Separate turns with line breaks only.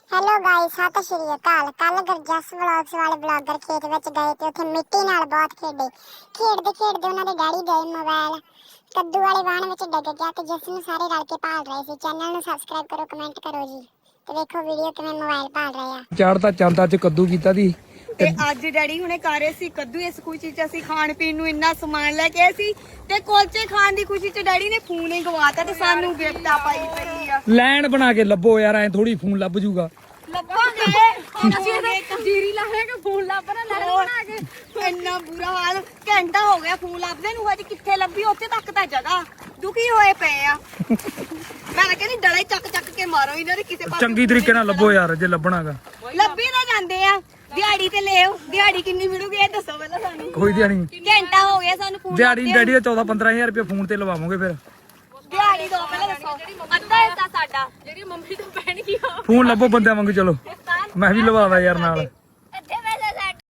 Hello guys, सत श्री अकाल। कल गरजस व्लॉग्स वाले ब्लॉगर खेत विच गए ते उत्थे मिट्टी नाल बहुत खेडे। खेडदे खेडदे उन्हां दे डैडी गए मोबाइल कद्दू वाले वाहन विच डिग गया ते जिस नूं सारे रल के भाल रहे सी। चैनल नूं सबसक्राइब करो, कमेंट करो जी ते देखो वीडियो किवें मोबाइल भाल रहे आ।
ਚੜਦਾ ਚੰਦ ਅੱਜ ਕੱਦੂ ਕੀਤਾ ਦੀ
ਤੇ ਅੱਜ ਡੈਡੀ ਹੁਣੇ ਕਰ ਰਹੇ ਸੀ ਕੱਦੂ। ਇਸ ਖੁਸ਼ੀ ਚ ਅਸੀਂ ਖਾਣ ਪੀਣ ਨੂੰ ਇੰਨਾ ਸਮਾਨ ਲੈ ਕੇ ਆਏ ਸੀ ਤੇ ਕੁਲਚੇ ਖਾਣ ਦੀ ਖੁਸ਼ੀ ਚ ਡੈਡੀ ਨੇ ਫੋਨ ਹੀ ਗਵਾਤਾ ਤੇ ਸਾਨੂੰ ਗਿਫਟ ਆ ਪਾਈ ਪਈ ਆ।
ਲੈਣ ਬਣਾ ਕੇ ਲੱਭੋ ਯਾਰ, ਐ ਥੋੜੀ ਫੋਨ ਲੱਭ ਜੂਗਾ।
ਲੱਭਾਂਗੇ ਅਸੀਂ ਜੀਰੀ ਲਾਹਾਂਗੇ ਫੋਨ ਲੱਭਣਾ ਲੜ ਬਣਾ ਕੇ। ਇੰਨਾ ਬੁਰਾ ਹਾਲ, ਘੰਟਾ ਹੋ ਗਿਆ ਫੋਨ ਲੱਭਦੇ ਨੂੰ, ਅੱਜ ਕਿੱਥੇ ਲੱਭੀ? ਉੱਥੇ ਤੱਕ ਤਾਂ ਜਗ੍ਹਾ ਦੁਖੀ ਹੋਏ ਪਏ ਆ। ਮੈਂ ਕਹਿੰਦੀ ਡਲੇ ਚੱਕ ਚੱਕ ਕੇ ਮਾਰੋ ਇਹਨਾਂ ਦੇ ਕਿਸੇ ਪਾਸੇ।
ਚੰਗੀ ਤਰੀਕੇ ਨਾਲ ਲੱਭੋ ਯਾਰ ਜੇ ਲੱਭਣਾਗਾ।
ਲੱਭੀ ਤਾਂ ਜਾਂਦੇ ਆ, ਦਿਹਾੜੀ ਤੇ ਲਿਓ। ਦਿਹਾੜੀ ਕਿੰਨੀ ਮਿਲੂਗੀ ਇਹ ਦੱਸੋ ਪਹਿਲਾਂ ਸਾਨੂੰ।
ਕੋਈ ਦਿਹਾੜੀ
ਘੰਟਾ ਹੋ ਗਿਆ ਸਾਨੂੰ ਫੋਨ
ਦਿਹਾੜੀ ਡੈਡੀ ਦਾ 14-15 ਹਜ਼ਾਰ ਰੁਪਏ ਫੋਨ ਤੇ ਲਵਾਵਾਂਗੇ ਫਿਰ।
ਦਿਹਾੜੀ ਦੋ ਪਹਿਲਾਂ ਦੱਸੋ। ਅੱਧਾ ਹਿੱਸਾ ਸਾਡਾ, ਜਿਹੜੀ ਮੰਮੀ ਤੋਂ ਪੈਣਗੀ
ਫੋਨ ਲੱਭੋ ਬੰਦਿਆਂ ਵਾਂਗੂ। ਚਲੋ ਮੈਂ ਵੀ ਲਵਾਵਾ ਯਾਰ ਨਾਲ।